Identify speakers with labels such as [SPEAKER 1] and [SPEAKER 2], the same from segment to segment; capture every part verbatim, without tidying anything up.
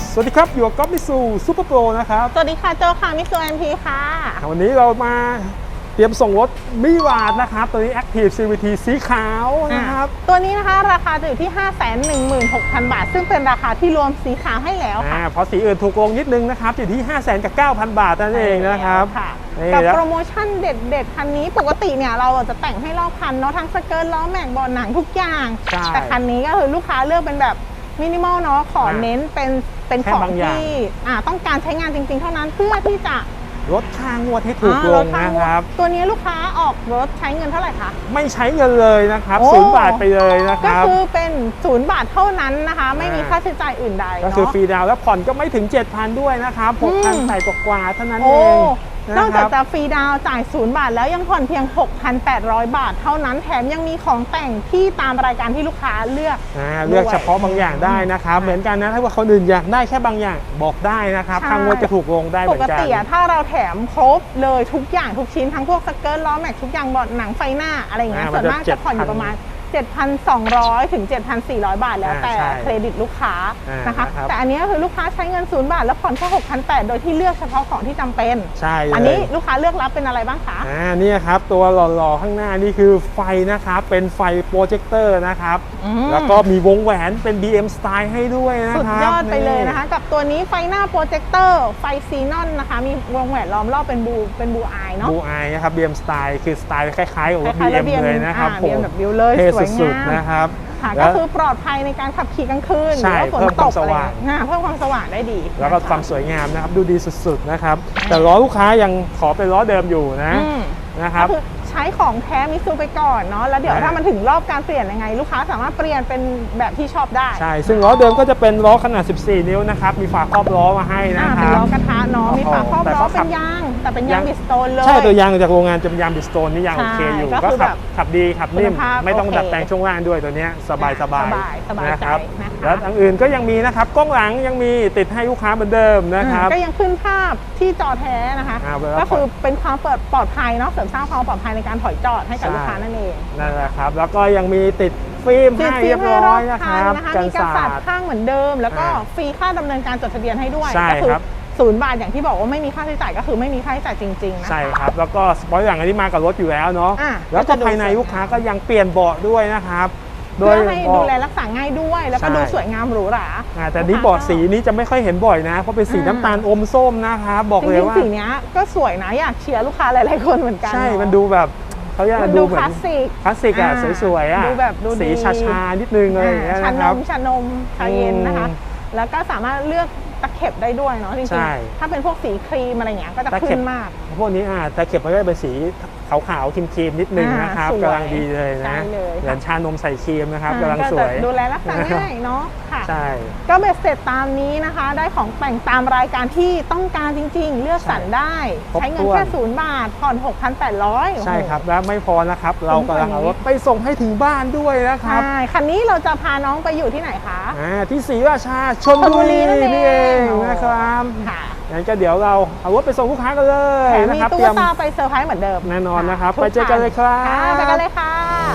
[SPEAKER 1] สวัสดีครับอยู่กับก๊อฟมิซูซูเปอร์โปรนะครับ
[SPEAKER 2] สวัสดีค่ะโจค่ะมิสูเอ็มพีค่ะ
[SPEAKER 1] วันนี้เรามาเตรียมส่งรถมิวาดนะครับตัวนี้ Active ซี วี ที สีขาวนะครับ
[SPEAKER 2] ตัวนี้นะคะราคาจะอยู่ที่ ห้าแสนหนึ่งหมื่นหกพัน บาทซึ่งเป็นราคาที่รวมสีขาวให้แล้วค่ะ
[SPEAKER 1] เพราะสีอื่นถูกลงนิดนึงนะครับอยู่ที่ ห้าแสนกับเก้าพัน บาทนั่นเองนะครับ
[SPEAKER 2] กับโปรโมชั่นเด็ดๆคันนี้ปกติเนี่ยเราจะแต่งให้รอบคันเนาะทั้งสเกิร์ตล้อแม็กเบาะหนังทุกอย่างแต่คันนี้ก็คือลูกค้าเลือกเป็นแบบมินิมอลเนาะขอเน้นเป็นเป็นของที่ต้องการใช้งานจริงๆเท่านั้นเพื่อที่จะ
[SPEAKER 1] ลดค่างวดให้ถูกลงนะครับ
[SPEAKER 2] ตัวนี้ลูกค้าออกรถใช้เงินเท่าไหร่คะ
[SPEAKER 1] ไม่ใช้เงินเลยนะครับศูนย์บาทไปเลยนะครับ
[SPEAKER 2] ก็คือเป็นศูนย์บาทเท่านั้นนะคะไม่มีค่าใช้จ่ายอื่นใด
[SPEAKER 1] ก็คือฟรีดาวแล้วผ่อนก็ไม่ถึง เจ็ดพัน ด้วยนะครับ หกพัน ใส่กว่าๆเท่านั้นเอง
[SPEAKER 2] นอกจากจะฟรีดาวจ่ายศูนย์บาทแล้วยังผ่อนเพียง หกพันแปดร้อย บาทเท่านั้นแถมยังมีของแต่งที่ตามรายการที่ลูกค้าเลือก
[SPEAKER 1] เลือกเฉพาะบางอย่างได้นะครับเหมือนกันนะถ้าว่าคนอื่นอยากได้แค่บางอย่างบอกได้นะครับค่างวดจะถูกลงได้เหมือนกัน
[SPEAKER 2] ปกติถ้าเราแถมครบเลยทุกอย่างทุกชิ้นทั้งพวกสเกิร์ตล้อแม็กทุกอย่างเบาะหนังไฟหน้าอะไรอย่างเงี้ยส่วนมากจะผ่อนอยู่ประมาณเจ็ดพันสองร้อย ถึง เจ็ดพันสี่ร้อย บาทแล้วแต่เครดิตลูกค้านะคะแต่อันนี้คือลูกค้าใช้เงินศูนย์บาทแล้วผ่อนแค่ หกพันแปดร้อย โดยที่เลือกเฉพาะของที่จำเป็น
[SPEAKER 1] ใช่
[SPEAKER 2] อันนี้ลูกค้าเลือกรับเป็นอะไรบ้างคะ
[SPEAKER 1] อ่านี่ครับตัวหล่อๆข้างหน้านี่คือไฟนะครับเป็นไฟโปรเจคเตอร์นะครับแล้วก็มีวงแหวนเป็น บี เอ็ม สไตล์ให้ด้วยนะครับสุด
[SPEAKER 2] ยอดไปเลยนะคะกับตัวนี้ไฟหน้าโปรเจคเตอร์ไฟซีนอนนะคะมีวงแหวนล้อมรอบเป็นบูเป็นบูอายเนาะ
[SPEAKER 1] บูอายนะครับ บี เอ็ม สไตล์คือสไตล์คล้ายๆกับรถ บี เอ็ม เลยนะครับ
[SPEAKER 2] ผมแบบบิวเลยสวยงาม
[SPEAKER 1] นะครับ
[SPEAKER 2] ก็คือปลอดภัยในการขับขี่กลางคืนหรือว่าฝนตกอะไรเพิ่มความสว่างได้ดี
[SPEAKER 1] แล้วก็ความสวยงามนะครับดูดีสุดๆนะครับแต่ล้อลูกค้ายังขอเป็นล้อเดิมอยู่นะนะครับ
[SPEAKER 2] ใช้ของแท้มิซูไปก่อนเนาะแล้วเดี๋ยวถ้ามันถึงรอบการเปลี่ยนยังไงลูกค้าสามารถเปลี่ยนเป็นแบบที่ชอบได้
[SPEAKER 1] ใช่ซึ่งล้อเดิมก็จะเป็นล้อขนาดสิบสี่นิ้วนะครับมีฝาครอบล้อมาให้นะครับ
[SPEAKER 2] เป็นล้อกระทะเนาะมีฝาครอบล้อเป็นยางแต่เป็นยางบิสโตนเลย
[SPEAKER 1] ใช่ตัวยางจากโรงงานจะเป็นยางบิสโตนนี่ยางโอเคอยู่ก็ขับขับดีขับนิ่มไม่ต้องดัดแปลงช่วงล่างด้วยตัวนี้สบายสบายนะครับแล้วอันอื่นก็ยังมีนะครับกล้องหลังยังมีติดให้ลูกค้าเหมือนเดิมนะครับ
[SPEAKER 2] ก็ยังขึ้นภาพที่จอแท้นะคะก็คือเป็นความปลอดภัยเนาะเสริมสร้างความปลอดภัยในการถอยจอดให้กับลูกค้านั่นเอง
[SPEAKER 1] นั่นแหละครับแล้วก็ยังมีติดฟิล์มให้เรียบร้อยนะครับ
[SPEAKER 2] กันสาดข้างเหมือนเดิมแล้วก็ฟรีค่าดำเนินการจดทะเบียนให้ด้วยก็คือศูนย์บาทอย่างที่บอกว่าไม่มีค่าใช้จ่ายก็คือไม่มีค่าใช้จ่ายจริงๆนะ
[SPEAKER 1] ใช่ครับแล้วก็สปอยล์อย่างที่มากับรถอยู่แล้วเนาะแล้วก็ภายในลูกค้าก็ยังเปลี่ยนเบาะด้วยนะครับ
[SPEAKER 2] เพื่อให้ดูแลรักษาง่ายด้วยแล้วก็ดูสวยงามหรูหรา
[SPEAKER 1] แต่นี้เบาะสีนี้จะไม่ค่อยเห็นบ่อยนะเพราะเป็นสีน้ำตาลอมส้มนะครับบอกเลยว่า
[SPEAKER 2] สีนี้ก็สวยนะอยากเชียร์ลูกค้าหลายๆคนเหมือนกัน
[SPEAKER 1] ใช่มันดูแบบเขาอยากดูเหมือน
[SPEAKER 2] คลาสสิก
[SPEAKER 1] คลาสสิกอ่ะสวยๆอ่ะ
[SPEAKER 2] ดูแบบดู
[SPEAKER 1] สีชาๆนิดนึงอะไรอย่างเงี้ย
[SPEAKER 2] นะครับชานมชาเย็นนะคะแล้วก็สามารถเลือกตะเข็บได้ด้วยเนาะจริงๆถ้าเป็นพวกสีครีมอะไรเงี้ยก็จะขึ้นมาก
[SPEAKER 1] พวกนี้อ่ะตะเข็บมันก็เป็นสีขาวๆครีมๆนิดนึงนะครับกำลังดีเลยนะเหมือนชานมใส่ครีมนะครับกำลังสวย
[SPEAKER 2] ดูแลรักษาง่ายเนาะค่ะ
[SPEAKER 1] ใช่
[SPEAKER 2] ก็เบ็ดเสร็จตามนี้นะคะได้ของแต่งตามรายการที่ต้องการจริงๆเลือกสรรได้ใช้เงินแค่ศูนย์บาทผ่อน หกพันแปดร้อย
[SPEAKER 1] ใช่ครับแล้วไม่พอนะครับเรากำลังเอารถไปส่งให้ถึงบ้านด้วยนะครับ
[SPEAKER 2] ใช่คันนี้เราจะพาน้องไปอยู่ที่ไหนคะ
[SPEAKER 1] อ่าที่ศรีราชาชลบุรีนี่เองนะครับค่ะงั้นก็เดี๋ยวเราเอารถไปส่งลูกค้ากันเลย
[SPEAKER 2] นะครับมีตู้ตาไปเซอร์ไพรส์เหมือนเดิม
[SPEAKER 1] แน่นอนนะครับไปเจอกันเลยครับ
[SPEAKER 2] ไปกันเลยค่ะ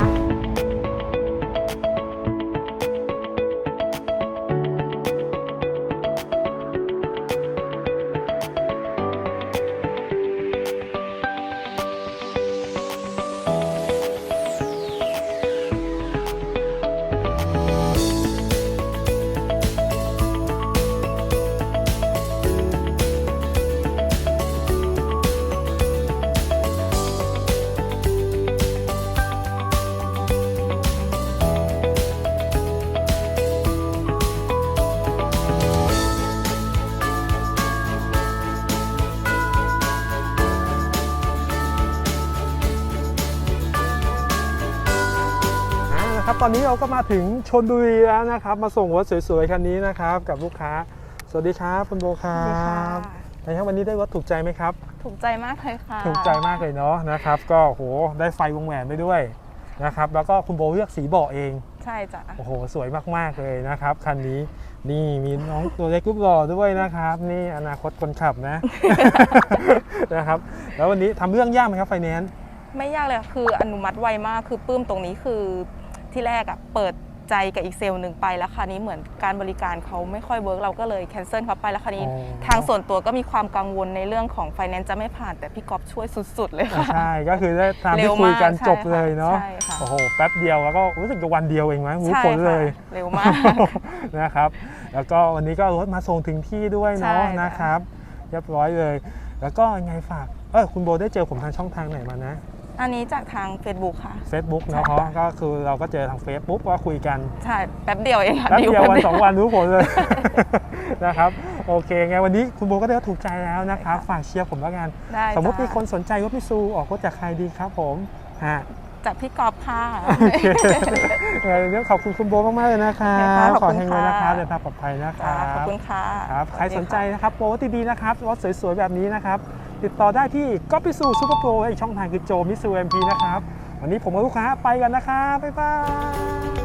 [SPEAKER 1] ครับตอนนี้เราก็มาถึงชลบุรีแล้วนะครับมาส่งรถสวยๆคันนี้นะครับกับลูกค้าสวัสดีครับคุณโบครับในครั้งวันนี้ได้รถถูกใจไหมครับ
[SPEAKER 3] ถูกใจมากเลยค่ะ
[SPEAKER 1] ถูกใจมากเลยเนาะนะครับก็โหได้ไฟวงแหวนไปด้วยนะครับแล้วก็คุณโบเลือกสีเบาะเอง
[SPEAKER 3] ใช่จ้ะ
[SPEAKER 1] โอ้โหสวยมากๆเลยนะครับคันนี้นี่มีน้องตัวเล็กรูปหล่อด้วยนะครับนี่อนาคตคนขับนะ นะครับแล้ววันนี้ทำเรื่องยากไหมครับไฟแนนซ์
[SPEAKER 3] ไม่ยากเลยคืออนุมัติไวมากคือปื้มตรงนี้คือที่แรกอ่ะเปิดใจกับอีกเซลล์หนึ่งไปแล้วคราวนี้เหมือนการบริการเขาไม่ค่อยเวิร์กเราก็เลยแคนเซิลเขาไปแล้วคราวนี้ทางส่วนตัวก็มีความกังวลในเรื่องของไฟแนนซ์จะไม่ผ่านแต่พี่ก๊อฟช่วยสุดๆเลยค่ะ
[SPEAKER 1] ใช่ก็คือได้ตามที่คุยกันจบเลยเนาะ
[SPEAKER 3] ใช่ค่ะ
[SPEAKER 1] โอ้โหแป๊บเดียวแล้วก็รู้สึกจะวันเดียวเองมั้งรู้ผลเลย
[SPEAKER 3] เร็วมาก
[SPEAKER 1] นะครับแล้วก็วันนี้ก็รถมาส่งถึงที่ด้วยเนาะนะครับเรียบร้อยเลย แล้วก็ยังไงฝากเออคุณโบได้เจอผมทางช่องทางไหนมานะ
[SPEAKER 3] อันนี้จากทาง Facebook ค่ะ
[SPEAKER 1] Facebook เนาะเพราะก็คือเราก็เจอทาง Facebook ว่าคุยกัน
[SPEAKER 3] ใช่แป๊บเดียวเองค่ะ
[SPEAKER 1] แป๊บเดียววันสองวันรู้ผลเลย
[SPEAKER 3] ใช่
[SPEAKER 1] นะครับโอเคไงวันนี้คุณโบก็ได้ถูกใจแล้วนะครับฝากเชียร์ผมแล้วกัน
[SPEAKER 3] ได้
[SPEAKER 1] สมมติ
[SPEAKER 3] จ้ะ
[SPEAKER 1] มีคนสนใจรถมิซูออกรถจากใครดีครับผมฮะ
[SPEAKER 3] จากพี่ก๊อฟค่ะ
[SPEAKER 1] โอเคเรื่องขอบคุณคุณโบมากๆเลยนะครับ
[SPEAKER 3] ขอบ
[SPEAKER 1] ขอ
[SPEAKER 3] คุณ
[SPEAKER 1] ให้เงิน
[SPEAKER 3] ค่ะ
[SPEAKER 1] นะครับเดินทางปลอดภัยนะครับ
[SPEAKER 3] ขอบคุณค่ะ
[SPEAKER 1] ครับใคร
[SPEAKER 3] วัดี
[SPEAKER 1] สนใจ
[SPEAKER 3] ค่ะ
[SPEAKER 1] นะครับโปรดีๆนะครับรถสวยๆแบบนี้นะครับติดต่อได้ที่ก๊อปมิซูซูเปอร์โปรอีกช่องทางคือโจมิซูเอ็มพีนะครับวันนี้ผมกับลูกค้าไปกันนะครับบ๊ายบาย